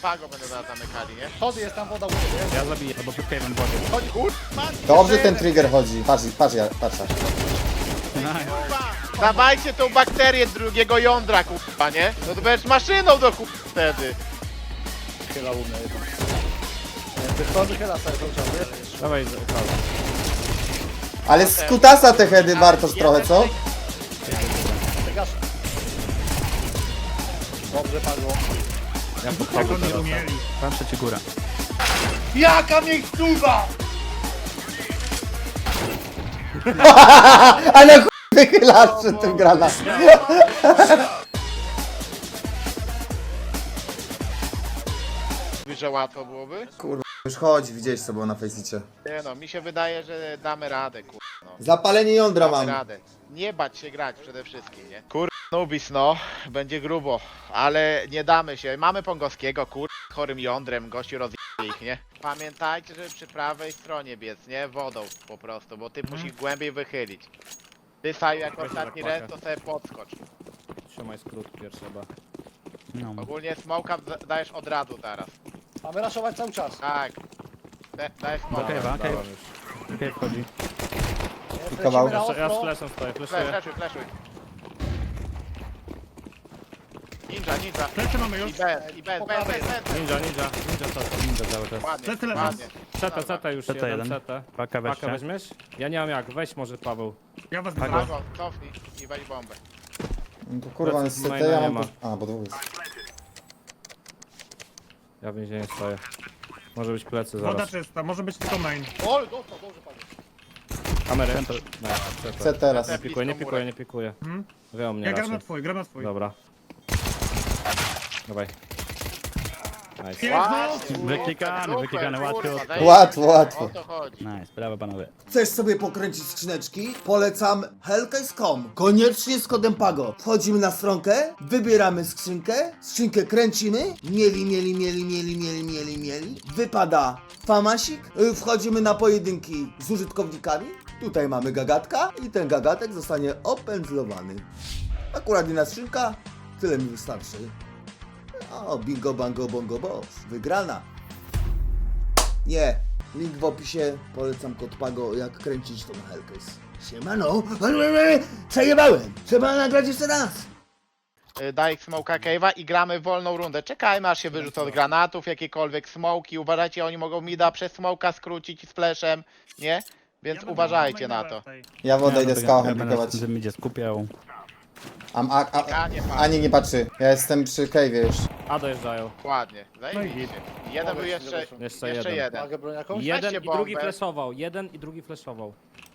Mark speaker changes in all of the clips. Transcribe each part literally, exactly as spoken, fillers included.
Speaker 1: Pago będę zaraz zamykali, nie?
Speaker 2: Schody jest tam woda u ciebie.
Speaker 3: Ja zabiję, albo przed cave'em wodzie.
Speaker 1: Chodź, kurwa!
Speaker 4: Dobrze ten trigger chodzi. Patrz, patrz, ja, patrz.
Speaker 1: Dawajcie tą bakterię drugiego jądra, kurwa, nie? No to będziesz maszyną do kurwa wtedy.
Speaker 2: Chyla u mnie jeden. Ty schody chyla sobie cały czas, wiesz?
Speaker 3: Dawaj, Pago.
Speaker 4: Ale z kutasa te heady Bartosz trochę, co?
Speaker 2: Gaszę. Dobrze, Pago.
Speaker 3: Ja po Pago nie umieli. Patrzę ci górę.
Speaker 2: Jaka miejscówka!
Speaker 4: Ale chuj wychylasz przed tym grana.
Speaker 1: Mówisz, że łatwo byłoby?
Speaker 4: Kurwa, już chodź, widziałeś co było na Faceicie.
Speaker 1: Nie no, mi się wydaje, że damy radę, kurwa, no.
Speaker 4: Zapalenie jądra
Speaker 1: Damy
Speaker 4: mam.
Speaker 1: radę. Nie bać się grać przede wszystkim, nie? Kur... Nubis, no, będzie grubo, ale nie damy się. Mamy Pongowskiego, kur... chorym jądrem, gościu rozje ich, nie? Pamiętajcie, że przy prawej stronie biec, nie? Wodą po prostu, bo ty musisz głębiej wychylić. Ty, Saju, jak ostatni
Speaker 3: tak
Speaker 1: res, to sobie podskocz.
Speaker 3: Trzymaj skrót pierwszy chyba.
Speaker 5: No.
Speaker 1: Ogólnie smoka da- dajesz od razu teraz.
Speaker 2: Mamy raszować cały czas.
Speaker 1: Tak. Da- dajesz
Speaker 5: Do
Speaker 1: smoka.
Speaker 5: cave'a,
Speaker 3: Dałem
Speaker 5: cave.
Speaker 3: już.
Speaker 5: Cave wchodzi.
Speaker 2: Lecimy
Speaker 4: kawał.
Speaker 2: na
Speaker 3: Ja z
Speaker 2: ostro.
Speaker 3: fleszem stoję,
Speaker 1: Flash,
Speaker 3: fleszuję.
Speaker 1: flashuj, flashuj. Ninja, ninja.
Speaker 6: Plecy mamy
Speaker 1: I
Speaker 6: już.
Speaker 1: bez, i bez, bez, bez, bez.
Speaker 3: Ninja, ninja, ninja co?
Speaker 5: Ninja cały czas.
Speaker 1: Ładnie,
Speaker 6: Plecy leżą.
Speaker 1: ładnie.
Speaker 3: Ceta, ceta już,
Speaker 5: Ceta
Speaker 3: jeden,
Speaker 5: jeden.
Speaker 3: ceta.
Speaker 5: Paka
Speaker 3: Pakę
Speaker 5: weźcie.
Speaker 3: weźmiesz? Ja nie mam jak, weź może Paweł.
Speaker 6: Ja was
Speaker 5: Pago.
Speaker 6: biorę.
Speaker 1: Pago, cofnij i weź bombę.
Speaker 4: No to kurwa, jest C T,
Speaker 3: Maina
Speaker 4: ja
Speaker 3: nie
Speaker 4: mam...
Speaker 3: ma.
Speaker 4: tu- A, bo dwóch jest.
Speaker 3: Ja w więzieniu stoję. Może być plecy
Speaker 6: Woda
Speaker 3: zaraz.
Speaker 6: czysta, może być tylko main.
Speaker 2: O, dostał, dobrze, Pago.
Speaker 3: Kamery. No,
Speaker 4: C teraz.
Speaker 3: Nie pikuję, nie pikuję, nie pikuję.
Speaker 6: Hmm?
Speaker 3: Wie o mnie
Speaker 6: Ja gram
Speaker 3: raczej.
Speaker 6: na twój, gram na twój.
Speaker 3: Dobra. Dawaj. Nice.
Speaker 1: Ładnie,
Speaker 5: Wyklikany,
Speaker 1: super,
Speaker 5: wyklikany,
Speaker 1: kurwa,
Speaker 5: łatwo.
Speaker 1: zajebiście.
Speaker 4: Łatwo, łatwo.
Speaker 1: O to chodzi.
Speaker 5: Nice, brawo panowie.
Speaker 7: Chcesz sobie pokręcić skrzyneczki? Polecam hellcase kropka com. Koniecznie z kodem PAGO. Wchodzimy na stronkę, wybieramy skrzynkę, skrzynkę kręcimy, mieli, mieli, mieli, mieli, mieli, mieli, mieli. Wypada famasik, y, wchodzimy na pojedynki z użytkownikami. Tutaj mamy gagatka i ten gagatek zostanie opędzlowany. Akurat jedna skrzynka, tyle mi wystarczy. O, bingo, bango, bongo, boss. Wygrana. Nie. Link w opisie. Polecam kod PAGO, jak kręcić tą Hellcase. Siemano. Przejebałem. Trzeba nagrać jeszcze raz.
Speaker 1: Y, Daj smoka cave'a i gramy w wolną rundę. Czekajmy aż się wyrzucą od granatów, jakiekolwiek smoki. Uważajcie, oni mogą mida przez smoka skrócić z flashem, nie? Więc
Speaker 6: Ja
Speaker 1: uważajcie
Speaker 6: będę
Speaker 1: na
Speaker 6: maina
Speaker 1: to.
Speaker 6: tutaj.
Speaker 4: Ja wodę idę z
Speaker 5: Ja
Speaker 4: kałą
Speaker 5: będę
Speaker 4: pikować.
Speaker 5: w tym będzie skupiał.
Speaker 4: A, a, a,
Speaker 1: A nie ma.
Speaker 4: Ani nie patrzy. Ja jestem przy cave'ie już.
Speaker 3: A dojeżdżają.
Speaker 1: Ładnie. Zajebiście. Jeden był jeszcze,
Speaker 2: Jeszcze
Speaker 1: jeszcze,
Speaker 3: jeden.
Speaker 1: jeden.
Speaker 2: Mogę broń jakąś?
Speaker 1: Je-
Speaker 3: Jeden
Speaker 1: Weźcie
Speaker 3: i drugi
Speaker 1: bombę.
Speaker 3: flashował. Jeden i drugi flashował.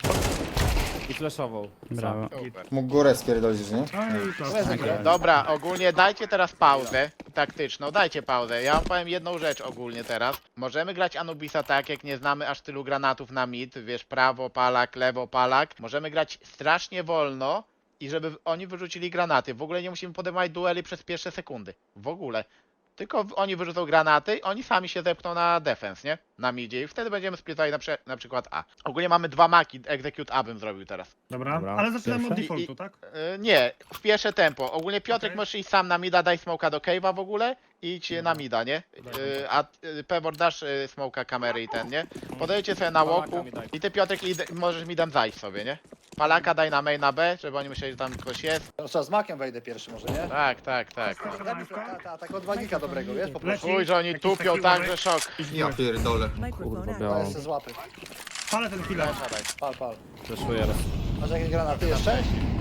Speaker 3: I flashował.
Speaker 5: Brawo.
Speaker 1: Super.
Speaker 4: Mógł górę spierdolić, nie?
Speaker 6: No i to.
Speaker 2: Weź zagrę.
Speaker 1: Dobra, ogólnie dajcie teraz pauzę taktyczną, dajcie pauzę. Ja wam powiem jedną rzecz ogólnie teraz. Możemy grać Anubisa tak, jak nie znamy aż tylu granatów na mid, wiesz, prawo palak, lewo palak. Możemy grać strasznie wolno i żeby oni wyrzucili granaty. W ogóle nie musimy podejmować dueli przez pierwsze sekundy. W ogóle. Tylko w- oni wyrzucą granaty, oni sami się zepchną na defense, nie? Na midzie i wtedy będziemy splitali na, prze- na przykład A. Ogólnie mamy dwa maki, execute A bym zrobił teraz.
Speaker 6: Dobra,
Speaker 3: Dobra.
Speaker 6: ale zaczynamy od
Speaker 5: Pierwsze?
Speaker 6: defaultu, tak?
Speaker 1: Yy, nie, w pierwsze tempo. Ogólnie Piotrek
Speaker 6: Okej.
Speaker 1: możesz iść sam na mida, daj smoka do cave'a w ogóle i idź na mida, nie? Yy, a yy, Pebor dasz yy, smoka kamery i ten, nie? Podejdźcie sobie na
Speaker 3: Palaka
Speaker 1: łoku
Speaker 3: mi daj.
Speaker 1: i ty Piotrek id- możesz midem zajść sobie, nie? Palaka daj na main na B, żeby oni myśleli, że tam ktoś jest.
Speaker 2: Teraz trzeba z makiem wejdę pierwszy może, nie?
Speaker 1: Tak, tak, tak.
Speaker 2: Daj mi ta, ta, tak od wagika dobrego, wiesz? Po prostu.
Speaker 6: Leci.
Speaker 1: Chuj, że oni
Speaker 6: Jakiś
Speaker 1: tupią
Speaker 6: taki
Speaker 1: tak,
Speaker 6: uważaj.
Speaker 1: że szok.
Speaker 7: Ja pierdolę.
Speaker 3: Kurwa
Speaker 2: To
Speaker 3: białą.
Speaker 2: jest z łapy.
Speaker 6: Palę ten chwilę.
Speaker 1: Daj.
Speaker 2: Pal, pal.
Speaker 3: Flashuję raz.
Speaker 2: Masz jakieś granaty jeszcze?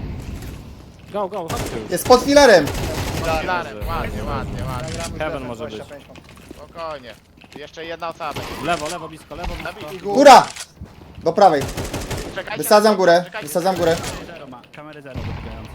Speaker 3: Go, go, chodźcie już.
Speaker 4: Jest pod filarem!
Speaker 1: Filarem, ładnie, ładnie, ładnie.
Speaker 2: Gramy z
Speaker 3: Heaven
Speaker 2: defem,
Speaker 3: może
Speaker 2: dwadzieścia pięć.
Speaker 1: Spokojnie. Jeszcze jedna osoba.
Speaker 3: Lewo, lewo, blisko, lewo, blisko.
Speaker 1: Zabij ich.
Speaker 4: Góra! Do prawej.
Speaker 1: Czekajcie
Speaker 4: Wysadzam
Speaker 1: na-
Speaker 4: górę.
Speaker 1: czekajcie.
Speaker 4: Wysadzam górę.
Speaker 5: Zero ma, kamery zero dotykający.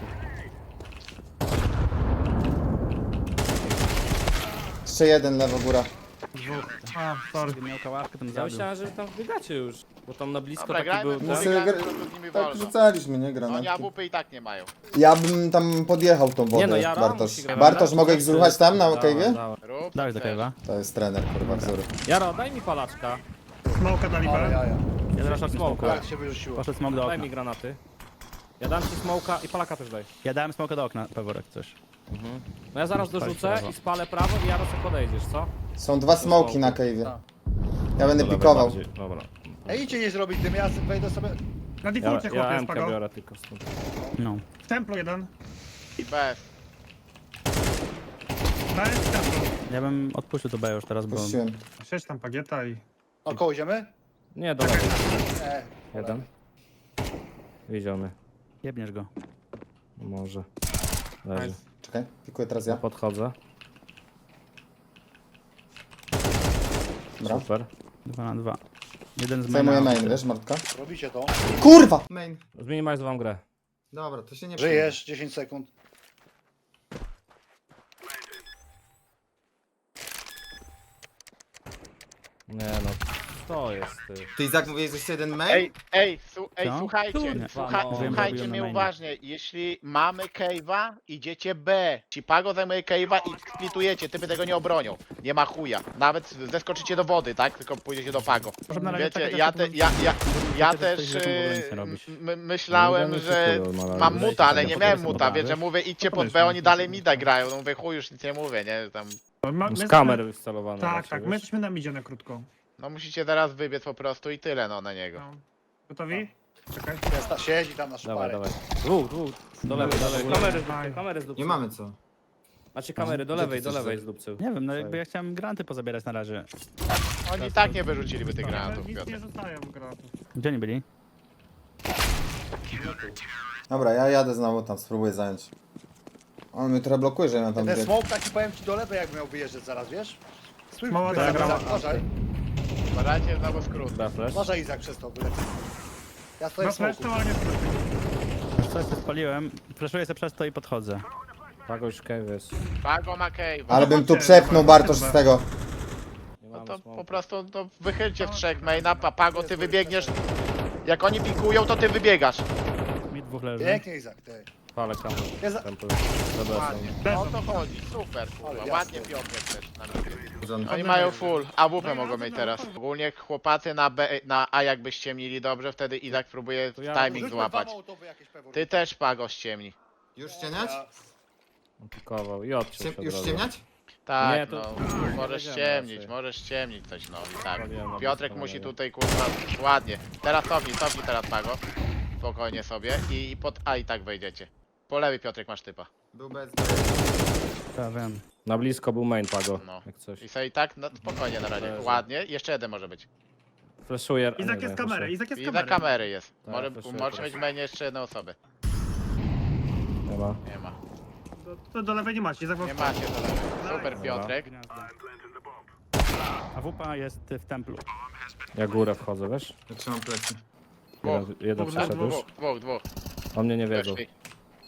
Speaker 4: Jeszcze jeden, lewo góra.
Speaker 6: A, sorry.
Speaker 5: Gdybym miał kałaszkę, to bym
Speaker 3: Ja
Speaker 5: zabił.
Speaker 3: myślałem, że wy tam wbiegacie już. Bo tam na blisko
Speaker 1: Dobra,
Speaker 3: taki
Speaker 1: grajmy,
Speaker 3: był
Speaker 1: my
Speaker 4: No
Speaker 3: ten.
Speaker 4: sobie
Speaker 1: gramy
Speaker 4: gra-
Speaker 1: tylko z nimi
Speaker 4: Tak
Speaker 1: wolno.
Speaker 4: rzucaliśmy, nie?
Speaker 1: Oni
Speaker 4: Granatki.
Speaker 1: A W P i tak nie mają.
Speaker 4: Ja bym tam podjechał tą wodę,
Speaker 3: Nie no, ja
Speaker 4: Bartosz.
Speaker 3: musi grać.
Speaker 4: Bartosz, mogę ich zruchać tam na
Speaker 3: Dawaj,
Speaker 4: cave'ie?
Speaker 3: dawaj.
Speaker 1: Rób
Speaker 5: Dałeś
Speaker 1: co
Speaker 5: do
Speaker 1: chcesz.
Speaker 5: cave'a.
Speaker 4: To jest trener, kurwa, wzór.
Speaker 3: Jaro, daj mi palaczka.
Speaker 6: Smoka dali
Speaker 2: Ale
Speaker 6: B.
Speaker 2: jaja.
Speaker 5: Ja zaraz szarpnę
Speaker 3: Smoka.
Speaker 5: smoka.
Speaker 2: Jak się wyrzuciło.
Speaker 5: Poszedł smok do
Speaker 3: Daj
Speaker 5: okna.
Speaker 3: mi granaty. Ja dam ci smoka i palaka też daj.
Speaker 5: Ja dałem smoka do okna, Peworek coś.
Speaker 3: No ja zaraz
Speaker 5: Spalić
Speaker 3: dorzucę
Speaker 5: prawo.
Speaker 3: i spalę prawo i Jaro sobie podejdziesz, co?
Speaker 4: Są dwa smoki na cave'ie.
Speaker 2: Tak.
Speaker 4: Ja będę
Speaker 5: Do lewej
Speaker 4: pikował.
Speaker 5: bardziej. Dobra.
Speaker 2: Ej, idźcie nie zrobić dym, ja wejdę sobie...
Speaker 6: Na
Speaker 5: Ja,
Speaker 6: defaulcie
Speaker 5: ja
Speaker 6: chłopie jest
Speaker 5: M K
Speaker 6: pago.
Speaker 5: biorę tylko stąd.
Speaker 3: No.
Speaker 6: W templu jeden.
Speaker 1: I bez.
Speaker 6: Daj w templu.
Speaker 3: Ja bym odpuścił to B już teraz, bo...
Speaker 4: Puściłem.
Speaker 6: Siedź tam pagieta i...
Speaker 2: Około ziemy?
Speaker 5: Nie, do lewej.
Speaker 2: Nie.
Speaker 5: Jeden. Widział mnie.
Speaker 3: Jebniesz go.
Speaker 5: Może. Leży.
Speaker 6: Nice.
Speaker 4: Czekaj, pikuję teraz ja.
Speaker 5: Podchodzę.
Speaker 4: Dobra.
Speaker 5: Super.
Speaker 3: Dwa na dwa. Jeden z
Speaker 4: Zajmuję
Speaker 3: maina.
Speaker 4: main, wiesz, Martka?
Speaker 2: Robicie to.
Speaker 4: Kurwa! Main.
Speaker 5: Zminimalizowałem grę.
Speaker 4: Dobra, to się nie
Speaker 2: Żyjesz, dziesięć sekund.
Speaker 5: Nie no. To jest ty.
Speaker 4: Ty Izak mówiłeś, że jeszcze jeden main?
Speaker 1: Ej, ej, su, ej
Speaker 3: Co?
Speaker 1: słuchajcie,
Speaker 3: Kurwa,
Speaker 1: słucha,
Speaker 5: no.
Speaker 1: słuchajcie
Speaker 3: Robiłem
Speaker 1: mnie
Speaker 3: na mainie.
Speaker 1: uważnie. Jeśli mamy cave'a, idziecie B. Cipago zajmuje cave'a i splitujecie, typy tego nie obronią. Nie ma chuja. Nawet zeskoczycie do wody, tak? Tylko pójdziecie do Pago.
Speaker 3: Może na razie
Speaker 1: Wiecie,
Speaker 3: takie
Speaker 1: ja,
Speaker 3: rzeczy
Speaker 1: te,
Speaker 3: to-
Speaker 1: ja, ja, ja
Speaker 3: takie
Speaker 1: też
Speaker 3: rzeczy w ogóle nic nie
Speaker 1: y,
Speaker 3: robisz.
Speaker 1: m- myślałem,
Speaker 5: No,
Speaker 1: że
Speaker 5: no, no, no,
Speaker 1: mam
Speaker 5: no,
Speaker 1: muta, ale
Speaker 5: no,
Speaker 1: nie
Speaker 5: no,
Speaker 1: miałem
Speaker 5: no,
Speaker 1: muta,
Speaker 5: no,
Speaker 1: wiesz,
Speaker 5: no,
Speaker 1: że mówię idźcie pod
Speaker 6: powiedzmy,
Speaker 1: B, oni
Speaker 6: no,
Speaker 1: dalej
Speaker 6: no,
Speaker 1: mida
Speaker 6: no.
Speaker 1: grają. No mówię chuj, już nic nie mówię, nie? Tam,
Speaker 6: Ma,
Speaker 5: Z
Speaker 6: my
Speaker 5: kamery
Speaker 6: jesteśmy-
Speaker 5: wyinstalowane.
Speaker 6: Tak,
Speaker 5: raczej,
Speaker 6: tak, my
Speaker 5: wiesz?
Speaker 6: jesteśmy na midzie na krótko.
Speaker 1: no musicie teraz wybiec po prostu i tyle no na niego.
Speaker 6: No. Gotowi? Czekaj.
Speaker 2: Jest ta, siedzi tam na
Speaker 5: Dawaj,
Speaker 2: szparę.
Speaker 5: dawaj. Dwóch, dwóch. Do lewej, do lewej. Kamery,
Speaker 6: Dawaj.
Speaker 5: kamery z dupcy.
Speaker 4: Nie mamy co.
Speaker 5: Macie kamery, do
Speaker 4: Gdzie ty
Speaker 5: lewej, do
Speaker 4: chcesz
Speaker 5: lewej
Speaker 4: zrobić?
Speaker 5: z dupcy.
Speaker 3: Nie wiem, no jakby ja chciałem granty pozabierać na razie.
Speaker 1: Oni i tak nie wyrzuciliby tych
Speaker 6: Ale
Speaker 1: granatów,
Speaker 6: nic
Speaker 1: Piotr.
Speaker 6: nie rzucają granatów.
Speaker 3: Gdzie oni byli?
Speaker 4: Dobra, ja jadę znowu tam, spróbuję zająć. On mnie trochę blokuje, że ja mam tam
Speaker 2: Ten
Speaker 4: bieg.
Speaker 2: smoke taki powiem ci do lewej, jak miał wyjeżdżać zaraz, wiesz? Stój,
Speaker 6: Mała
Speaker 2: Izak,
Speaker 6: diagrama.
Speaker 2: Izak, uważaj.
Speaker 1: Uważajcie znowu skrót.
Speaker 5: Da flash.
Speaker 2: Uważaj Izak przez to, wyleci. Ja stoję
Speaker 6: Na
Speaker 2: w smoku.
Speaker 6: flash to, ale nie
Speaker 3: Wiesz co, ja się spaliłem, flashuję sobie przez to i podchodzę.
Speaker 5: Pago już cave jest.
Speaker 1: Pago ma cave.
Speaker 4: Ale bym tu
Speaker 6: Chodźcie,
Speaker 4: przepchnął
Speaker 6: dobra,
Speaker 4: Bartosz
Speaker 6: dobra.
Speaker 4: z tego.
Speaker 5: Nie
Speaker 1: No
Speaker 5: mamy
Speaker 1: to
Speaker 5: smoke.
Speaker 1: po prostu to wychylcie w trzech maina, Papago, ty wybiegniesz. Jak oni pikują, to ty wybiegasz.
Speaker 3: Mi dwóch leży.
Speaker 2: Pięknie Izak, ty.
Speaker 5: Palę kamerę.
Speaker 2: Jest za...
Speaker 5: Tempy. Dobra,
Speaker 1: Ładnie.
Speaker 5: są.
Speaker 1: O to chodzi, super, kurwa.
Speaker 2: Ale
Speaker 1: Ładnie
Speaker 2: jasne.
Speaker 1: Piotrek też na mnie.
Speaker 4: Zon-
Speaker 1: Oni mają full, A W P mogą mieć teraz. Ogólnie chłopacy na B, na A jakby ściemnili dobrze, wtedy Izak próbuje
Speaker 5: To ja-
Speaker 1: timing
Speaker 2: Rzućmy
Speaker 1: złapać.
Speaker 2: dwa mołotowy jakieś pewnie.
Speaker 1: Ty też Pago ściemni.
Speaker 4: Już ściemniać?
Speaker 2: Ja-
Speaker 5: On pikował i odciął się
Speaker 4: Już
Speaker 5: od razu.
Speaker 4: ściemniać?
Speaker 1: Tak,
Speaker 5: Nie, to-
Speaker 1: no, możesz
Speaker 5: Wiedziałem
Speaker 1: ściemnić,
Speaker 5: raczej.
Speaker 1: możesz ściemnić coś, no i tak.
Speaker 5: Robiłem na
Speaker 1: Piotrek
Speaker 5: blisko,
Speaker 1: musi
Speaker 5: nie.
Speaker 1: tutaj kurwa ładnie. Teraz cofnij, cofnij teraz Pago. Spokojnie sobie i i pod A i tak wejdziecie. Po lewej Piotrek masz typa.
Speaker 4: Był bez...
Speaker 3: Ja wiem.
Speaker 5: Na blisko był main Pago.
Speaker 1: No.
Speaker 5: Jak coś.
Speaker 1: I sobie i tak, no spokojnie na razie.
Speaker 5: Leży.
Speaker 1: Ładnie, jeszcze jeden może być.
Speaker 5: Flashuję. a
Speaker 6: Izak
Speaker 5: nie,
Speaker 6: jest
Speaker 5: nie,
Speaker 6: kamery,
Speaker 5: flashuję.
Speaker 6: Izak jest
Speaker 1: I za
Speaker 6: kamery.
Speaker 1: kamery jest.
Speaker 5: Tak,
Speaker 1: Może,
Speaker 5: flashuję
Speaker 1: możesz
Speaker 5: teraz.
Speaker 1: mieć w mainie jeszcze jedną osobę.
Speaker 5: Nie ma.
Speaker 1: Nie ma.
Speaker 6: To, to do lewej nie macie, Izak
Speaker 1: Nie macie do lewej. Super
Speaker 5: Dobra.
Speaker 1: Piotrek.
Speaker 3: A W P jest w templu.
Speaker 5: Ja górę wchodzę, wiesz?
Speaker 4: Ja trzymam plecy.
Speaker 5: Jeden, jeden
Speaker 6: Dwóch,
Speaker 5: przeszedł już.
Speaker 1: Dwóch, dwóch, dwóch.
Speaker 5: O mnie nie wiedzą.
Speaker 1: Weszli.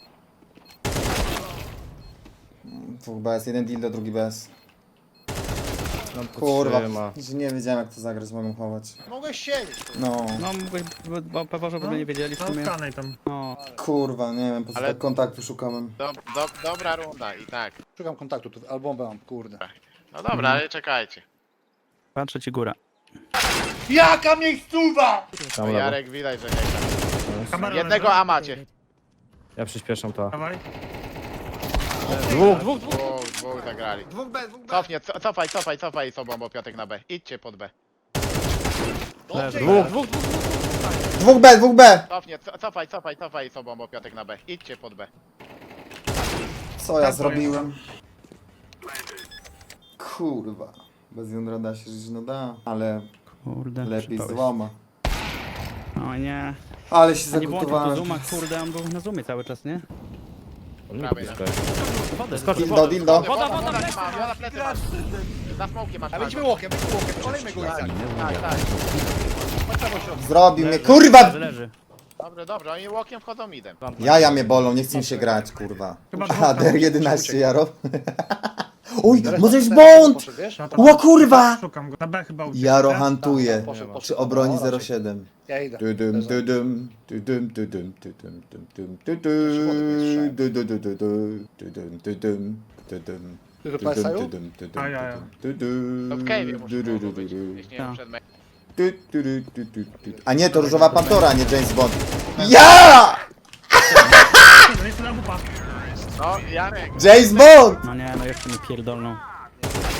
Speaker 4: Dwóch B S, jeden dildo, drugi B S.
Speaker 5: No, to
Speaker 4: Kurwa,
Speaker 5: trzyma.
Speaker 4: że nie wiedziałem jak to zagrać, mogę chować.
Speaker 2: Mogłeś siedzieć. tu.
Speaker 4: No,
Speaker 3: No mógłbyś, bo pewnie, żeby nie wiedzieli w
Speaker 6: No
Speaker 3: sumie.
Speaker 6: skanej tam.
Speaker 3: No,
Speaker 4: kurwa, nie wiem, po co
Speaker 1: Ale-
Speaker 4: tak kontaktu szukałem.
Speaker 1: Do, do, dobra runda i tak.
Speaker 2: Szukam kontaktu tu, albo mam, kurde.
Speaker 1: No dobra, ale czekajcie.
Speaker 3: patrzę ci górę.
Speaker 2: Jaka miejscowa!
Speaker 1: No
Speaker 5: Tam lewo.
Speaker 1: Jarek widać, że nie gra.
Speaker 6: Kamera
Speaker 1: Jednego
Speaker 6: leży.
Speaker 1: A macie.
Speaker 5: Ja przyspieszam to.
Speaker 6: Dawaj.
Speaker 5: Dwóch, dwóch, dwóch.
Speaker 1: Dwóch, dwóch zagrali.
Speaker 4: Dwóch B, dwóch B.
Speaker 1: Cofnie, co, cofaj, cofaj, cofaj sobą, bo Piotrek na B. Idźcie pod B.
Speaker 2: Dobrze,
Speaker 5: Dwóch,
Speaker 2: Izak.
Speaker 5: dwóch, dwóch.
Speaker 4: Dwóch B, dwóch B!
Speaker 1: Cofnie, co, cofaj, cofaj, cofaj sobą, bo Piotrek na B. Idźcie pod B.
Speaker 4: Co ja
Speaker 6: Tak,
Speaker 4: zrobiłem? Kurwa. Bez jądra da się żyć, no da. Ale
Speaker 3: Kurde,
Speaker 4: lepiej
Speaker 3: przypałeś.
Speaker 4: złama.
Speaker 3: O nie.
Speaker 4: Ale się
Speaker 3: A nie włączył tu
Speaker 4: zagotowałem.
Speaker 3: zooma, kurde, on był na zoomie cały czas, nie?
Speaker 5: On mi
Speaker 1: Prawej,
Speaker 5: blisko
Speaker 1: no.
Speaker 5: jest.
Speaker 3: Wodę,
Speaker 5: Skoczył
Speaker 4: Dildo, dildo.
Speaker 1: Woda, woda, woda, plecy masz, woda, plecy masz. Za smokiem masz.
Speaker 2: A wejdźmy łokiem, wejdźmy łokiem, olejmy go Izak.
Speaker 1: Tak, tak.
Speaker 2: Chodź prawo środku.
Speaker 4: Zrobił mnie, kurwa!
Speaker 3: leży, leży.
Speaker 1: Dobrze, dobrze, oni łokiem wchodzą midem.
Speaker 4: Jaja mnie bolą, nie chce mi się grać, kurwa.
Speaker 6: Chyba dwóch
Speaker 4: A,
Speaker 6: tam
Speaker 4: D R jedenaście, Jaro. Oj,
Speaker 2: Teraz
Speaker 4: może jest
Speaker 2: ten
Speaker 4: błąd!
Speaker 2: poszedł, wiesz?
Speaker 6: No to-
Speaker 4: Ła kurwa!
Speaker 6: Szukam go. Na B chyba uciekł.
Speaker 4: Jaro
Speaker 6: nie?
Speaker 4: hantuje.
Speaker 2: Poszedł, poszedł.
Speaker 4: Przy obronie
Speaker 2: No,
Speaker 4: zero
Speaker 2: raczej.
Speaker 4: siedem.
Speaker 2: Ja idę.
Speaker 4: Dudum,
Speaker 2: Leżę.
Speaker 4: dudum, dudum, dudum, dudum, dudum, dudum,
Speaker 2: strzałem.
Speaker 4: dudum, dudum, dudum, dudum, dudum, dudum,
Speaker 2: Ty do
Speaker 4: dudum,
Speaker 2: P S A-u?
Speaker 4: dudum, dudum,
Speaker 6: A, ja, ja.
Speaker 4: dudum,
Speaker 1: To w cave'ie muszę
Speaker 4: dudum,
Speaker 1: było być,
Speaker 4: dudum,
Speaker 1: jeśli nie
Speaker 3: Tak.
Speaker 1: przed me-
Speaker 4: du, du, du, du, du, du. A nie, to Różowa Pantora, a nie James Bond. Ja!
Speaker 6: No jest na wupa.
Speaker 1: No, Jarek.
Speaker 4: James Bond!
Speaker 3: No nie, no jeszcze mi pierdolną.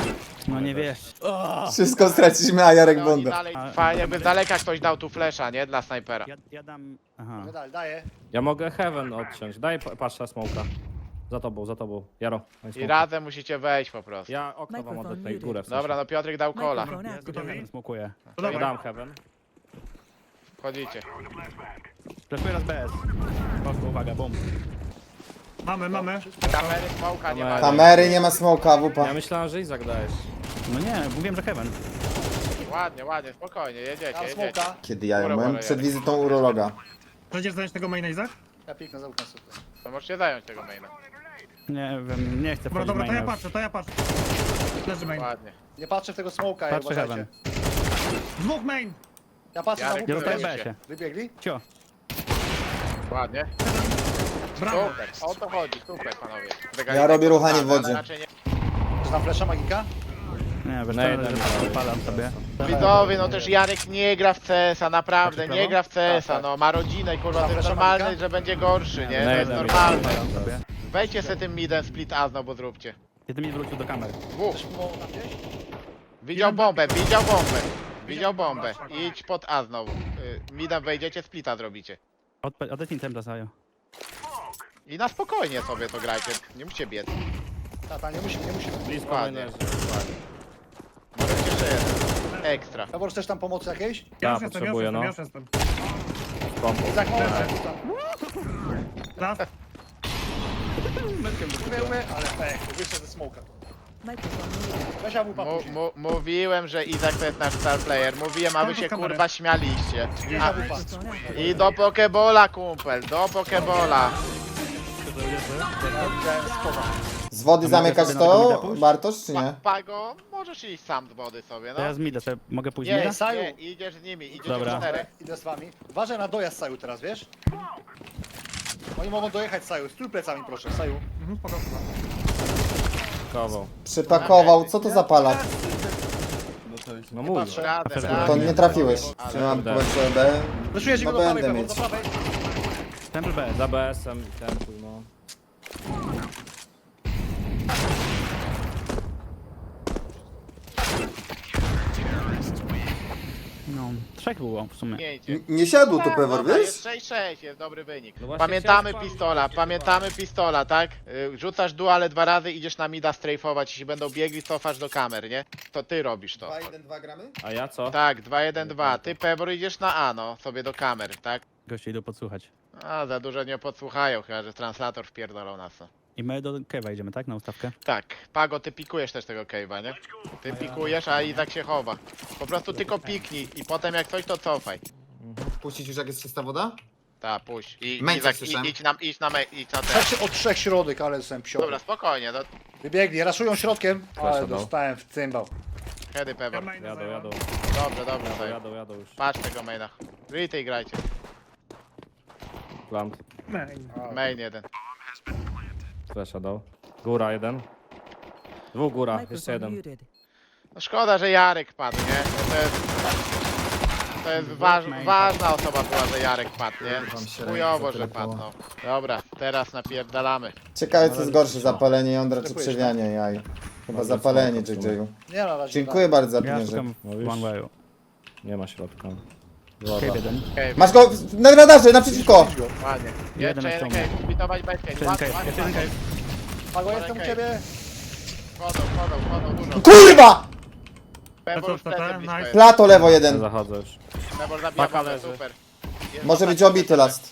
Speaker 3: No nie wiesz.
Speaker 4: Wszystko straciliśmy, a Jarek
Speaker 1: No, oni
Speaker 4: Bonda.
Speaker 1: dalej,
Speaker 3: A-
Speaker 1: fajnie, jakby z daleka ktoś dał tu flesza, nie? Dla snajpera.
Speaker 3: Ja, ja dam... Aha.
Speaker 2: No dalej, daję.
Speaker 5: Ja mogę Heaven odciąć. Daj pa- patrz na smoka. Za tobą, za tobą. Jaro. daj
Speaker 1: I
Speaker 5: smoka.
Speaker 1: razem musicie wejść po prostu.
Speaker 5: Ja okno wam odetnę i górę. w sensie.
Speaker 1: Dobra, no Piotrek dał kola.
Speaker 8: Microphone
Speaker 3: Ja
Speaker 8: activated.
Speaker 3: Heaven smokuję.
Speaker 6: To
Speaker 5: Ja
Speaker 6: dawaj.
Speaker 5: dam Heaven.
Speaker 1: Wchodzicie.
Speaker 3: Flashuję raz B S. Poszło, uwaga, bum.
Speaker 6: Mamy, mamy.
Speaker 1: Kamery, smoka nie ma.
Speaker 5: Kamery.
Speaker 4: Kamery, nie ma smoka,
Speaker 5: Ja
Speaker 4: wupa.
Speaker 5: myślałem, że Izak dajesz.
Speaker 3: No nie, mówiłem, że Heaven.
Speaker 1: Ładnie, ładnie, spokojnie, jedziecie,
Speaker 2: Mam
Speaker 1: jedziecie.
Speaker 2: smoka.
Speaker 4: Kiedy ja ją byłem przed wizytą urologa.
Speaker 6: Będziesz zająć tego maina, Izak?
Speaker 2: Ja piknę za okno sobie.
Speaker 1: To możecie zająć tego maina.
Speaker 3: Nie wiem, nie chcę
Speaker 6: Dobra,
Speaker 3: wchodzić
Speaker 6: dobra, to ja
Speaker 3: maina.
Speaker 6: patrzę, to ja patrzę. Leży main.
Speaker 1: Ładnie.
Speaker 2: Nie patrzę w tego smoka, ja
Speaker 3: Patrzę
Speaker 2: uważajcie.
Speaker 3: Heaven.
Speaker 6: Dwóch main!
Speaker 2: Ja patrzę
Speaker 1: Jarek,
Speaker 2: na
Speaker 3: Ja
Speaker 2: łupę.
Speaker 3: zostaję
Speaker 1: Wybiegli
Speaker 3: B
Speaker 1: się.
Speaker 3: S-ie.
Speaker 2: Wybiegli?
Speaker 3: Cio.
Speaker 1: Ładnie.
Speaker 6: Brawo!
Speaker 1: Super, o to chodzi, super panowie.
Speaker 4: Ja robię ruchanie w
Speaker 1: Tak,
Speaker 4: wodzie.
Speaker 1: znaczy nie-
Speaker 2: Czy tam flesza magika?
Speaker 3: Nie, wiesz
Speaker 5: Na
Speaker 3: co,
Speaker 5: jednym
Speaker 3: że
Speaker 5: dałem.
Speaker 3: wypalam sobie.
Speaker 1: Widzowie, no też Jarek nie gra w C S a, naprawdę,
Speaker 3: Znaczy
Speaker 1: nie
Speaker 3: prawo?
Speaker 1: gra w C S a,
Speaker 2: Tak, tak.
Speaker 1: no ma rodzinę i kurwa, to jest
Speaker 2: Zapraszam,
Speaker 1: normalne,
Speaker 2: Monika?
Speaker 1: że będzie gorszy, nie?
Speaker 5: Na
Speaker 1: To jest
Speaker 5: jednym
Speaker 1: normalne.
Speaker 5: dałem.
Speaker 3: Sobie.
Speaker 1: Wejdźcie sobie tym midem split A znowu zróbcie.
Speaker 3: Kiedy mi wrócił do kamery.
Speaker 1: Dwóch.
Speaker 2: Też mu tam gdzieś?
Speaker 1: Widział bombę, widział bombę. Widział bombę. Idź pod A znowu. Y, Midem wejdziecie, splita zrobicie.
Speaker 3: Odpe- Odetnij templa Sajo.
Speaker 1: I na spokojnie sobie to grajcie, nie musicie biec.
Speaker 2: Tata, nie musimy, nie musimy.
Speaker 5: Blisko
Speaker 1: Ładnie.
Speaker 5: mainerzy.
Speaker 1: Może być jeszcze jeden. Ekstra.
Speaker 2: Dobra, chcesz tam pomocy jakiejś?
Speaker 6: Ja
Speaker 5: Ja
Speaker 6: już jestem, ja już
Speaker 5: potrzebuję,
Speaker 6: jestem,
Speaker 5: no.
Speaker 6: ja już jestem.
Speaker 5: Pompą.
Speaker 2: Izak, pomocy.
Speaker 6: Raz.
Speaker 2: Umie, umie, ale pech, wyjście ze smoka.
Speaker 8: Microphone muted.
Speaker 2: Weź ja mu
Speaker 1: Mu,
Speaker 2: papuś.
Speaker 1: mu, mówiłem, że Izak to jest nasz star player. Mówiłem, a wy się
Speaker 6: Kamerę.
Speaker 1: kurwa śmialiście. A,
Speaker 8: Microphone activated.
Speaker 1: I do Pokebola, kumpel, do Pokebola.
Speaker 2: Widziałem spowa.
Speaker 4: Z wody
Speaker 3: A mogę
Speaker 4: zamykać
Speaker 3: sobie na tego mida
Speaker 4: to,
Speaker 3: pójść?
Speaker 4: Bartosz, czy
Speaker 1: Pa,
Speaker 4: nie?
Speaker 1: Pago, możesz iść sam z wody sobie,
Speaker 3: To ja
Speaker 1: no.
Speaker 3: z mida sobie mogę pójść
Speaker 1: Nie,
Speaker 3: mida?
Speaker 2: Saju.
Speaker 1: nie, idziesz z nimi, idziesz
Speaker 3: Dobra.
Speaker 1: w czterech.
Speaker 2: Idę z wami. Uważaj na dojazd Saju teraz, wiesz? Oni mogą dojechać Saju. Stój plecami proszę, Saju.
Speaker 6: Mhm, spoko.
Speaker 5: Kował.
Speaker 4: Przypakował, co to za palak?
Speaker 5: No mów.
Speaker 2: patrzę.
Speaker 1: Razem,
Speaker 4: To
Speaker 1: razem.
Speaker 4: nie trafiłeś.
Speaker 1: Ale-
Speaker 4: Trzymam
Speaker 5: Tak.
Speaker 4: płeczę B.
Speaker 2: Wyszuję
Speaker 4: No
Speaker 2: go do prawej,
Speaker 4: będę
Speaker 2: Pewor,
Speaker 4: mieć.
Speaker 2: do prawej.
Speaker 3: Temple B S.
Speaker 5: Za B S-em i tempuj, no.
Speaker 3: No, trzech było w sumie.
Speaker 1: Miejcie.
Speaker 4: N- Nie siadło tu pewor,
Speaker 1: Dobra,
Speaker 4: wiesz?
Speaker 1: jest sześć sześć, jest dobry wynik.
Speaker 5: No właśnie
Speaker 1: Pamiętamy
Speaker 5: chciałem
Speaker 1: pistola,
Speaker 5: sprawdzić,
Speaker 1: pamiętamy pistola, tak? Y, Rzucasz duale dwa razy, idziesz na mida strajfować, jeśli będą biegli, cofasz do kamer, nie? To ty robisz to.
Speaker 4: dwa jeden dwa gramy?
Speaker 5: A ja co?
Speaker 1: Tak, dwa jeden dwa. Ty Pebor idziesz na A, no, sobie do kamer, tak?
Speaker 3: Goście idą podsłuchać.
Speaker 1: A, za dużo nie podsłuchają, chyba że translator wpierdolą nas. no.
Speaker 3: I my do Kewa idziemy, tak? Na ustawkę?
Speaker 1: Tak, Pago, ty pikujesz też tego cave'a, nie? Ty pikujesz, a Izak się chowa. Po prostu tylko piknij i potem jak coś to cofaj.
Speaker 4: Puścić już jak jest czysta woda?
Speaker 1: Ta, puść. I
Speaker 4: Męce
Speaker 1: Izak,
Speaker 4: słyszałem.
Speaker 1: i, idź na, idź na, me, idź na te.
Speaker 2: Trzech, od trzech środek, ale jestem psio.
Speaker 1: Dobra, spokojnie, no,
Speaker 2: Wybiegli, raszują środkiem, ale
Speaker 5: Flasha dał.
Speaker 2: dostałem w cymbał.
Speaker 1: heady
Speaker 6: Ja
Speaker 1: Pebor.
Speaker 6: maina
Speaker 5: Jadą,
Speaker 6: zająłem.
Speaker 5: jadą.
Speaker 1: Dobrze, dobrze,
Speaker 5: Jadą,
Speaker 1: sobie.
Speaker 5: jadą, jadą już.
Speaker 1: Patrz tego maina. Retake grajcie.
Speaker 5: Plant.
Speaker 6: Main.
Speaker 1: Main jeden.
Speaker 5: Flesza dał. Góra jeden. Dwóch góra, jeszcze
Speaker 8: Microphone
Speaker 5: jeden.
Speaker 8: muted.
Speaker 1: No szkoda, że Jarek padł, nie? To jest, to jest waż, ważna osoba była, że Jarek padł, nie? Chujowo, że padł, no. Dobra, teraz napierdalamy.
Speaker 4: Ciekawe co jest gorsze, zapalenie jądra czy przewianie jaj. Chyba zapalenie J J-u.
Speaker 2: Nie na razie.
Speaker 4: Dziękuję bardzo za
Speaker 3: Ja
Speaker 4: pieniążek.
Speaker 3: szukam
Speaker 5: No
Speaker 3: w
Speaker 5: już.
Speaker 3: one wayu.
Speaker 5: Nie ma środka.
Speaker 3: Cave
Speaker 5: Woda.
Speaker 3: jeden.
Speaker 1: Cave,
Speaker 4: Masz go w- na radarze, naprzeciwko!
Speaker 1: ładnie.
Speaker 3: Jeden
Speaker 1: Jeszcze
Speaker 3: na
Speaker 1: jeden
Speaker 3: ściągę.
Speaker 1: cave, zbitować bez cave.
Speaker 3: Jeszcze jeden
Speaker 1: Ładnie,
Speaker 3: cave,
Speaker 1: ładnie,
Speaker 3: jeszcze jeden
Speaker 1: ładnie.
Speaker 3: cave.
Speaker 2: Pago, jestem u ciebie.
Speaker 1: Chodzą, chodzą, chodzą dużo.
Speaker 4: KURWA!
Speaker 1: Pebor już
Speaker 6: To co, to,
Speaker 1: plecy
Speaker 6: to,
Speaker 1: blisko
Speaker 6: nice.
Speaker 1: jest.
Speaker 4: Plato lewo
Speaker 5: Ja
Speaker 4: jeden.
Speaker 5: zachodzę już.
Speaker 1: Pebor zabija
Speaker 5: Paka
Speaker 1: bombę,
Speaker 5: leży.
Speaker 1: super. Jest
Speaker 4: Może być
Speaker 1: ostatni
Speaker 4: obity
Speaker 1: cave.
Speaker 4: last.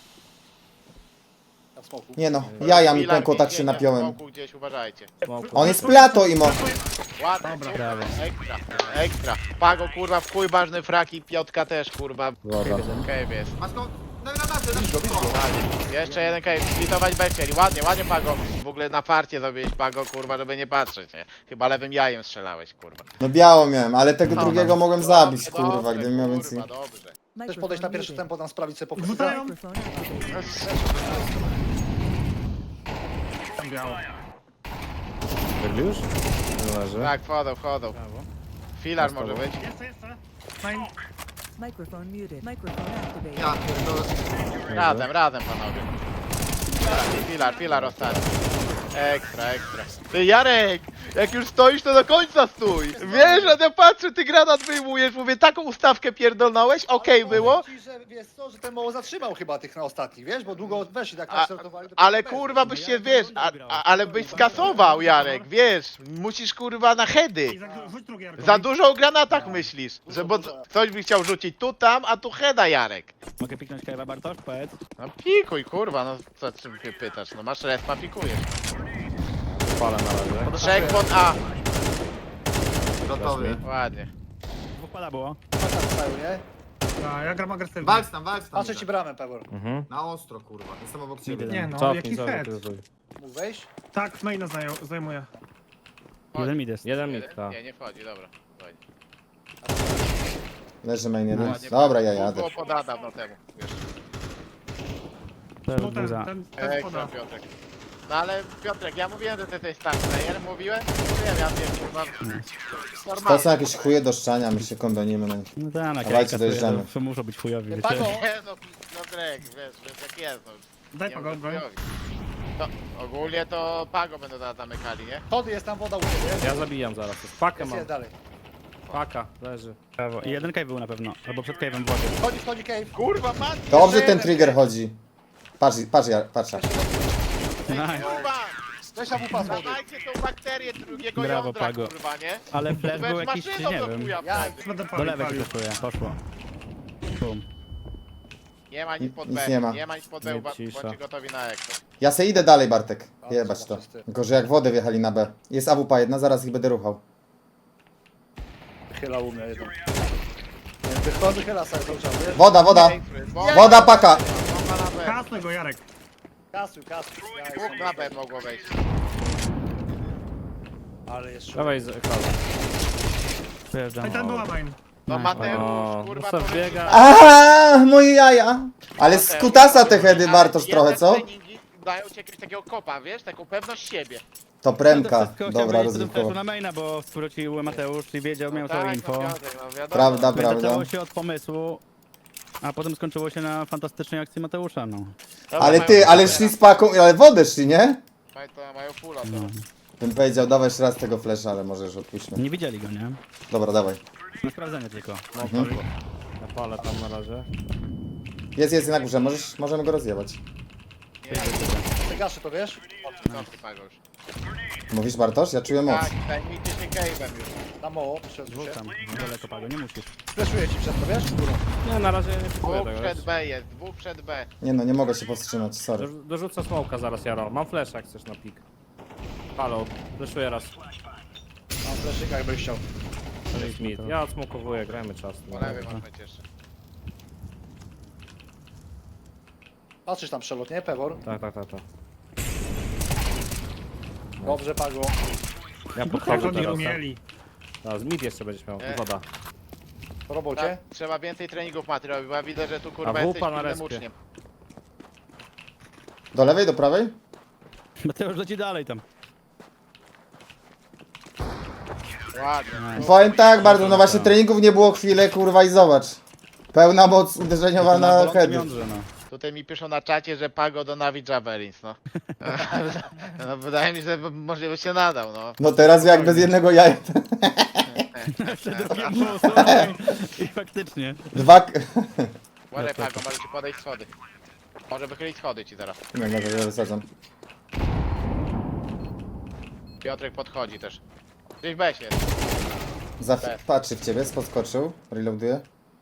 Speaker 2: Na smoku.
Speaker 4: Nie no, jaja mi
Speaker 1: Filar
Speaker 4: pękło, tak się
Speaker 1: biegnie w
Speaker 4: napiąłem.
Speaker 1: smoku gdzieś, uważajcie.
Speaker 5: Smoku.
Speaker 4: On jest plato, Imo.
Speaker 1: Ładnie,
Speaker 6: Dobra.
Speaker 1: super.
Speaker 3: Brawo.
Speaker 1: Ekstra, ekstra. Pago, kurwa, w chuj ważny frak i Piotka też, kurwa.
Speaker 5: Woda.
Speaker 1: Cave jest.
Speaker 4: Masz go na radarze,
Speaker 1: Ładnie. Jeszcze jeden cave, splitować bez chcieli. Ładnie, ładnie Pago. W ogóle na farcie zrobiłeś Pago, kurwa, żeby nie patrzeć, nie? Chyba lewym jajem strzelałeś, kurwa.
Speaker 4: No biało miałem, ale tego
Speaker 1: No,
Speaker 4: drugiego
Speaker 1: no.
Speaker 4: mogłem zabić,
Speaker 1: Dobrze,
Speaker 4: kurwa,
Speaker 1: dobrze,
Speaker 4: gdybym miał więcej.
Speaker 1: kurwa, dobrze.
Speaker 2: Chcesz podejść na pierwsze
Speaker 8: muted.
Speaker 2: tempo, tam sprawić sobie pokój.
Speaker 6: Rzucają.
Speaker 8: Microphone activated.
Speaker 6: Tam biało.
Speaker 5: Biegli już? Nie leży.
Speaker 1: Tak, wchodzą, wchodzą.
Speaker 3: Brawo.
Speaker 1: Filar
Speaker 5: Zostało.
Speaker 1: może być.
Speaker 6: Jeszcze, jeszcze. Main.
Speaker 8: Microphone muted. Microphone activated.
Speaker 4: Ja pierdolę.
Speaker 1: Razem, razem panowie. Filar, filar ostatni. Ekstra, ekstra. Ty Jarek, jak już stoisz, to do końca stój. Wiesz, że ja patrzę, ty granat wyjmujesz, mówię, taką ustawkę pierdolnąłeś, okej
Speaker 2: Ale
Speaker 1: było.
Speaker 2: powiem ci, że wiesz co, że ten mało zatrzymał chyba tych na ostatnich, wiesz, bo długo weszli tak
Speaker 1: A,
Speaker 2: nastartowali. to
Speaker 1: ale
Speaker 2: potem
Speaker 1: kurwa byś się, wiesz, a, a, ale byś skasował, Jarek, wiesz, musisz kurwa na heady.
Speaker 6: I za, rzuć drugi Jarko.
Speaker 1: Za dużo o granatach myślisz, że bo ktoś by chciał rzucić tu, tam, a tu heada, Jarek.
Speaker 5: Mogę piknąć Kajwa Bartosz? Powiedz.
Speaker 1: No pikuj, kurwa, no co czym mnie pytasz, no masz respa, pikujesz.
Speaker 5: Palę na razie.
Speaker 1: Trzech pod A,
Speaker 9: Gotowy.
Speaker 1: ładnie.
Speaker 5: Dwóch pada było.
Speaker 2: Patrz Saju, nie?
Speaker 6: A, ja gram agresywnie.
Speaker 9: Walcz tam, walcz tam.
Speaker 2: Patrzę ci bramę, Pewor.
Speaker 5: Mhm.
Speaker 9: Na ostro, kurwa. Jestem obok ciebie.
Speaker 6: Nie no,
Speaker 5: Cofnij,
Speaker 6: jaki
Speaker 5: cofnij,
Speaker 6: head.
Speaker 5: cofnij.
Speaker 2: Mógł wejść?
Speaker 6: Tak, maina zajął- zajmuje.
Speaker 5: Jeden mid jest. Jeden mid,
Speaker 1: Jeden?
Speaker 5: tak.
Speaker 1: Nie, nie wchodzi, dobra. Fajnie.
Speaker 4: Leży main jeden.
Speaker 1: Ładnie,
Speaker 4: Dobra, ja
Speaker 1: było-
Speaker 4: jadę.
Speaker 1: Było poda dawno temu, wiesz.
Speaker 5: Też
Speaker 6: No ten,
Speaker 5: buza.
Speaker 6: ten, ten
Speaker 1: Ekstra,
Speaker 6: spoda.
Speaker 1: Piotrek. No ale Piotrek, ja mówiłem, że ty jesteś star player, mówiłem? Mówiłem, ja wiem, kurwa.
Speaker 4: To są
Speaker 1: Normalnie.
Speaker 4: jakieś chuje do szczania, my się kondonimy na nich.
Speaker 5: No tak, na
Speaker 4: Dawajcie,
Speaker 5: kajka
Speaker 4: dojeżdżamy.
Speaker 5: to muszą być chujowi, wiecie.
Speaker 2: Pago,
Speaker 1: Nie no, no Drek, wiesz, wiesz jak jest, no.
Speaker 6: Daj
Speaker 1: Nie
Speaker 6: Pago,
Speaker 1: mów
Speaker 6: broń.
Speaker 1: chujowi. To ogólnie to Pago będą teraz zamykali, nie?
Speaker 2: Chody jest tam woda u ciebie.
Speaker 5: Ja zabijam zaraz. Pakę
Speaker 2: Jest
Speaker 5: mam.
Speaker 2: jest dalej.
Speaker 5: Paka, leży. Brawo. I jeden cave był na pewno. Albo przed cave'em w wodzie.
Speaker 2: Chodzi, wchodzi cave.
Speaker 1: Kurwa, man!
Speaker 4: Dobrze ten trigger chodzi. Patrz, patrz, ja, patrz.
Speaker 5: Nice.
Speaker 1: Kurwa!
Speaker 2: Weź tam upa z wody.
Speaker 1: Dawajcie tą bakterię drugiego
Speaker 5: Brawo,
Speaker 1: jądra,
Speaker 5: Pago.
Speaker 1: kurwa, nie?
Speaker 5: Ale flash był
Speaker 1: Weź
Speaker 5: jakiś,
Speaker 1: maszyną
Speaker 5: nie
Speaker 1: do
Speaker 5: wiem.
Speaker 1: chuja
Speaker 2: Ja-
Speaker 1: wtedy.
Speaker 6: Będę
Speaker 5: Do
Speaker 6: palił,
Speaker 5: lewej
Speaker 6: palił.
Speaker 5: się flashuje, poszło. Bum.
Speaker 1: Nie ma nic pod
Speaker 4: Nic
Speaker 1: B,
Speaker 4: nie ma.
Speaker 1: nie ma nic pod B,
Speaker 5: Nie,
Speaker 1: ba-
Speaker 5: cisza.
Speaker 1: bądźcie gotowi na ekto.
Speaker 4: Ja se idę dalej, Bartek. Jebać to.
Speaker 2: czysty.
Speaker 4: Tylko, że jak wodę wjechali na B. Jest A W P jedna, zaraz ich będę ruchał.
Speaker 2: Chyla u mnie jeden. Nie, Wychodzę, chyla Saju cały czas, wiesz?
Speaker 4: Woda, woda!
Speaker 1: Bo-
Speaker 4: Woda, paka!
Speaker 1: Bomba na B.
Speaker 6: Kasnę go, Jarek.
Speaker 2: Kasuj, kasuj. Ja
Speaker 1: Dwóch
Speaker 2: jestem-
Speaker 1: na B mogło wejść.
Speaker 2: Ale jest szum.
Speaker 5: Dawaj z ekranu. Przyjeżdżam.
Speaker 6: I ten była main.
Speaker 1: No
Speaker 5: O,
Speaker 1: Mateusz, kurwa,
Speaker 5: no co
Speaker 1: powiedz-
Speaker 5: biega.
Speaker 4: Aaaa, moje jaja! Ale z kutasa te hedy, Bartosz,
Speaker 1: Ale
Speaker 4: trochę,
Speaker 1: jednak
Speaker 4: co?
Speaker 1: treningi dają ci jakiegoś takiego kopa, wiesz? Taką pewność siebie.
Speaker 4: To premka.
Speaker 5: Wszystko chciałem
Speaker 4: Dobra,
Speaker 5: wejść potem flashu
Speaker 4: rozrywkowa.
Speaker 5: na maina, bo zwrócił Mateusz i wiedział, miał
Speaker 1: tak,
Speaker 5: całe
Speaker 1: no
Speaker 5: info.
Speaker 1: Piotrek, no wiadomo.
Speaker 4: Prawda,
Speaker 5: No i
Speaker 4: prawda.
Speaker 5: zaczęło się od pomysłu, a potem skończyło się na fantastycznej akcji Mateusza, no.
Speaker 1: Dobra,
Speaker 4: Ale
Speaker 1: mają
Speaker 4: ty, ale
Speaker 1: pulę.
Speaker 4: szli z paką, ale wodę szli, nie?
Speaker 1: Mają- to Mają pula, to.
Speaker 4: Bym powiedział, dawaj jeszcze raz tego flasha, ale może już odpuśćmy.
Speaker 5: Nie widzieli go, nie?
Speaker 4: Dobra, dawaj.
Speaker 5: Na sprawdzenie tylko.
Speaker 4: Mhm.
Speaker 5: Ja palę tam na razie.
Speaker 4: Jest, jest na górze, możesz, możemy go rozjebać.
Speaker 2: Ty gaszy to, wiesz?
Speaker 1: Cofnij, Pago już.
Speaker 4: Mówisz, Bartosz? Ja czuję moc.
Speaker 1: Tak, zajmijcie się cave'em już.
Speaker 2: Tam mało, przesuń
Speaker 5: Dwóch
Speaker 2: się.
Speaker 5: tam, daleko Pago, nie musisz.
Speaker 2: Fleszuję ci przez to, wiesz? Górą.
Speaker 5: Nie, na razie nie próbuję
Speaker 1: Dwóch
Speaker 5: tego.
Speaker 1: przed
Speaker 5: wiesz.
Speaker 1: B jest, dwóch przed B.
Speaker 4: Nie no, nie mogę się powstrzymać, sorry.
Speaker 5: Dorzu- Dorzucę smoka zaraz, Jaro. Mam flash jak chcesz na pik. Halo, flashuję raz.
Speaker 2: Mam fleszyka, jakbyś chciał.
Speaker 5: To jest mid. Ja odsmokowuję, grajmy czas.
Speaker 1: Po lewej masz być jeszcze.
Speaker 2: Patrzysz tam przelot, nie? Pewor.
Speaker 5: Tak, tak, tak, tak.
Speaker 2: Dobrze, Pago.
Speaker 5: Ja
Speaker 6: Jak
Speaker 5: podchodzę
Speaker 6: oni
Speaker 5: teraz.
Speaker 6: umieli.
Speaker 5: Tak, z mid jeszcze będziesz miał.
Speaker 1: E.
Speaker 5: Woda.
Speaker 2: Po robocie.
Speaker 1: Tak, trzeba więcej treningów Mati robić, bo ja widzę, że tu kurwa
Speaker 5: A
Speaker 1: jesteś
Speaker 5: wupa na
Speaker 1: pilnym
Speaker 5: respie.
Speaker 1: uczniem.
Speaker 4: Do lewej, do prawej?
Speaker 5: Mateusz leci dalej tam.
Speaker 1: Ładnie.
Speaker 4: Powiem tak, bardzo, no właśnie treningów nie było chwilę, kurwa i zobacz. Pełna moc uderzeniowa na
Speaker 5: bolącym
Speaker 4: heady.
Speaker 5: jądrze, no.
Speaker 1: Tutaj mi piszą na czacie, że Pago do Navi Javelins, no. No wydaje mi się, że może by się nadał, no.
Speaker 4: No teraz jak bez jednego jaja.
Speaker 5: I faktycznie.
Speaker 4: Dwa... k-
Speaker 1: Ładnie Pago, może ci podejść schody. Może wychylić schody ci zaraz.
Speaker 4: Nie, no to ja wysadzam.
Speaker 1: Piotrek podchodzi też. Gdzieś weź jest.
Speaker 4: Za... Patrzy w ciebie, podskoczył, reloaduje.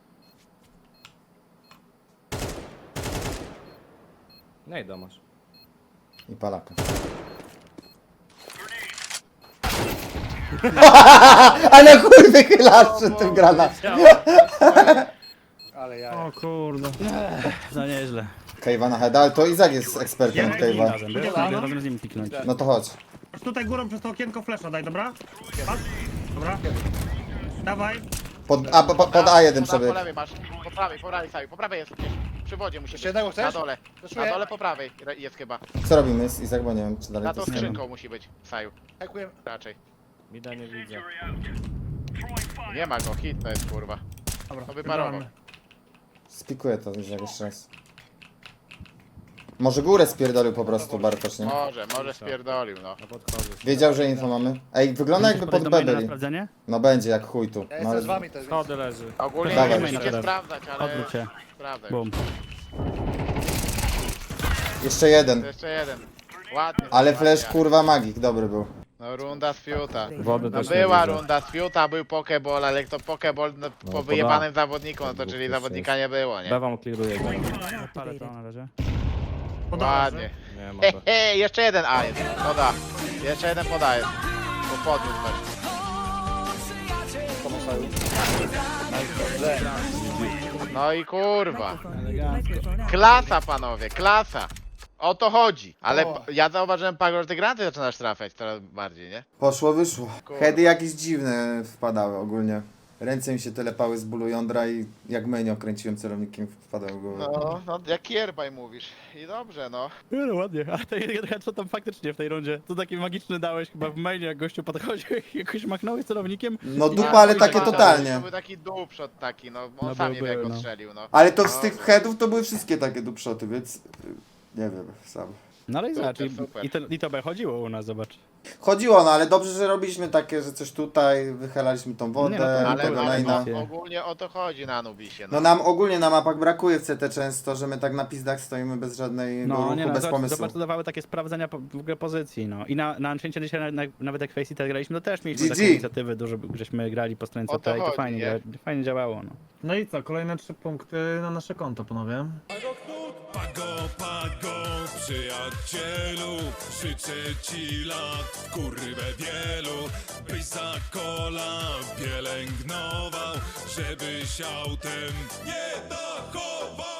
Speaker 5: No i domasz.
Speaker 4: I palaka. Ale chuj wychylasz przed tym granat.
Speaker 2: Ale ja.
Speaker 6: O kurde.
Speaker 5: No nieźle.
Speaker 4: Kejwa na heada, ale to Izak jest ekspertem od Kejwa.
Speaker 5: Razem, wiesz?
Speaker 6: Dobra, no.
Speaker 5: Razem z nim piknąć.
Speaker 4: No to chodź.
Speaker 6: Aż tutaj górą przez to okienko flesza daj, dobra? Patrz. Dobra. Dawaj.
Speaker 4: Pod, a, po, pod A jeden
Speaker 1: Po, po
Speaker 4: przebieg.
Speaker 1: lewej masz, po prawej, po prawej saju, po prawej jest gdzieś. Przy wodzie musi
Speaker 2: Jeszcze
Speaker 1: być.
Speaker 2: jednego chcesz?
Speaker 1: Na dole. Na
Speaker 2: Fleszuję.
Speaker 1: dole po prawej re- jest chyba.
Speaker 4: Co robimy z Izak, bo nie wiem czy dalej
Speaker 1: Na
Speaker 4: to
Speaker 1: to
Speaker 4: jest.
Speaker 1: skrzynką musi być, saju.
Speaker 2: Hekuję.
Speaker 1: Raczej.
Speaker 5: Mida nie widzę.
Speaker 1: Nie ma go, hit to jest kurwa.
Speaker 6: Dobra.
Speaker 1: To wyparował.
Speaker 6: wygramy.
Speaker 4: Spikuję to Izak jeszcze raz. Może górę spierdolił po prostu Bartosz, nie?
Speaker 1: Może, może spierdolił, no.
Speaker 5: Ja podchodzę.
Speaker 4: Wiedział, że info mamy. Ej, wygląda jakby pod B byli.
Speaker 3: sprawdzenie?
Speaker 4: No będzie, jak chuj tu.
Speaker 2: Ja
Speaker 4: No,
Speaker 2: jestem z
Speaker 4: ale...
Speaker 2: wami też.
Speaker 5: Schody leży.
Speaker 1: Ogólnie
Speaker 4: Dawaj,
Speaker 1: nie
Speaker 4: jeszcze
Speaker 1: musicie
Speaker 5: raz.
Speaker 1: sprawdzać, ale...
Speaker 3: Odwróć się.
Speaker 1: Sprawdzaj.
Speaker 3: Bum.
Speaker 4: Jeszcze jeden.
Speaker 1: Jeszcze jeden. Ładnie.
Speaker 4: Ale
Speaker 1: ładnie.
Speaker 4: flash kurwa magik, dobry był.
Speaker 1: No runda z fiuta.
Speaker 5: Wody
Speaker 1: No
Speaker 5: też nie
Speaker 1: była
Speaker 5: widzę.
Speaker 1: runda z fiuta, był pokeball, ale jak to pokeball no, po
Speaker 5: poda.
Speaker 1: wyjebanym zawodniku, no to
Speaker 5: Dwóch
Speaker 1: czyli
Speaker 5: plus
Speaker 1: zawodnika nie było, nie?
Speaker 5: B wam kliruje. go.
Speaker 3: Palę to na razie.
Speaker 1: Ładnie.
Speaker 5: Nie ma
Speaker 1: He,
Speaker 5: to.
Speaker 1: he, jeszcze jeden A jest. Poda. Jeszcze jeden podaje. Bo podniósł właśnie. No i kurwa.
Speaker 8: Microphone muted. Microphone activated.
Speaker 1: Klasa panowie, klasa. O to chodzi. Ale
Speaker 2: O.
Speaker 1: p- ja zauważyłem, Pago, że te granaty zaczynasz trafiać coraz bardziej, nie?
Speaker 4: Poszło, wyszło.
Speaker 1: Kurwa.
Speaker 4: Heady jakieś dziwne wpadały ogólnie. Ręce mi się telepały z bólu jądra i jak menio kręciłem celownikiem wpadały w głowę.
Speaker 1: No, no jak Kierbaj mówisz. I dobrze, no.
Speaker 3: No, no ładnie, a to jeden co tam faktycznie w tej rundzie? To taki magiczny dałeś chyba w mainie, jak gościu podchodził i jakoś machnąłeś celownikiem.
Speaker 4: No
Speaker 3: I
Speaker 4: dupa,
Speaker 3: na-
Speaker 4: ale
Speaker 3: i
Speaker 4: takie
Speaker 3: na-
Speaker 4: totalnie.
Speaker 1: To był taki dupshot taki, no. On
Speaker 3: No
Speaker 1: sam
Speaker 3: był,
Speaker 1: nie wie jak
Speaker 3: był,
Speaker 1: go
Speaker 3: no.
Speaker 1: strzelił, no.
Speaker 4: Ale to z
Speaker 1: No,
Speaker 4: tych
Speaker 1: no.
Speaker 4: headów to były wszystkie takie dupshoty, więc... y, Nie wiem, sam.
Speaker 3: No ale i
Speaker 1: Super,
Speaker 3: zobacz, i,
Speaker 1: super.
Speaker 3: i, to, i to B chodziło u nas, zobacz.
Speaker 4: Chodziło, no ale dobrze, że robiliśmy takie, że coś tutaj, wychylaliśmy tą wodę,
Speaker 3: Nie, no to-
Speaker 4: i
Speaker 1: Ale,
Speaker 4: tego
Speaker 1: ale
Speaker 4: lane'a.
Speaker 1: o, ogólnie o to chodzi na Anubisie, no.
Speaker 4: No nam ogólnie na mapach brakuje w C T często, że my tak na pizdach stoimy bez żadnej
Speaker 3: No
Speaker 4: ruchu,
Speaker 3: nie no,
Speaker 4: bez
Speaker 3: zobacz,
Speaker 4: pomysłu.
Speaker 3: zobacz, to dawały takie sprawdzenia po, w ogóle pozycji, no. I na, na Anciencie dzisiaj na, na, nawet jak Faceit graliśmy, to też mieliśmy
Speaker 4: G G.
Speaker 3: takie inicjatywy, dużo żeśmy grali po stronie
Speaker 1: O
Speaker 3: C
Speaker 1: to
Speaker 3: T i to
Speaker 1: chodzi,
Speaker 3: fajnie,
Speaker 1: nie?
Speaker 3: dzia- fajnie działało, no.
Speaker 6: No i co, kolejne trzy punkty na nasze konto, panowie.
Speaker 10: Pago, pago, przyjacielu, życzę ci lat, kurwę wielu, byś za kola pielęgnował, żebyś autem nie dachował.